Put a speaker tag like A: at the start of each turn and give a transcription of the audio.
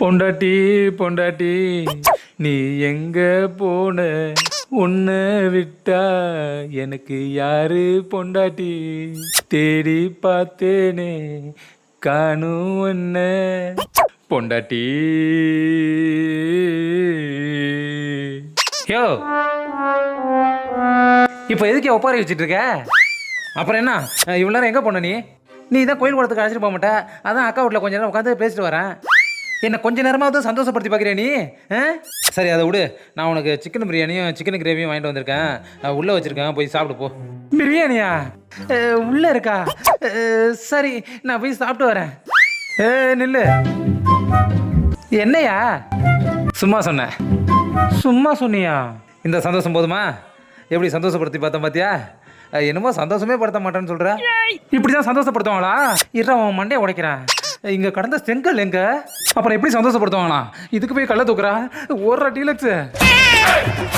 A: பொண்டாட்டி பொண்டாட்டி நீ எங்க போன உன்னை விட்டா எனக்கு யாரு பொண்டாட்டி தேடி பார்த்தேனே காணும் என்ன பொண்டாட்டி. யோ இப்போ எதுக்கு ஒப்பாரி வச்சுட்டு இருக்க? அப்புறம் என்ன இவ்வளோ நேரம் எங்கே போன நீ தான் கோயில் குளத்துக்கு அழைச்சிட்டு போக மாட்டேன். அதான் அக்கா வீட்டில் கொஞ்ச நேரம் உட்காந்து பேசிட்டு வரேன். என்ன கொஞ்ச நேரமாவது சந்தோஷப்படுத்தி பார்க்குறியா நீ? சரி அதை விடு. நான் உனக்கு சிக்கன் பிரியாணியும் சிக்கன் கிரேவியும் வாங்கிட்டு வந்திருக்கேன். உள்ளே வச்சுருக்கேன், போய் சாப்பிடு போ. பிரியாணியா? உள்ளே இருக்கா? சரி நான் போய் சாப்பிட்டு வரேன். நில்லு. என்னையா? சும்மா சொன்னேன். சும்மா சொன்னியா? இந்த சந்தோஷம் போதுமா? எப்படி சந்தோஷப்படுத்தி பார்த்தேன் பார்த்தியா? என்னமோ சந்தோஷமே படுத்த மாட்டேன்னு சொல்ற. இப்படிதான் சந்தோஷப்படுத்துவாங்களா? இற அவன் மண்டையை உடைக்கிறான். இங்க கடந்த செங்கல் எங்க? அப்புறம் எப்படி சந்தோஷப்படுத்துவாங்களா? இதுக்கு போய் கள்ள தூக்குறா? ஒரு டீலக்ஸ்.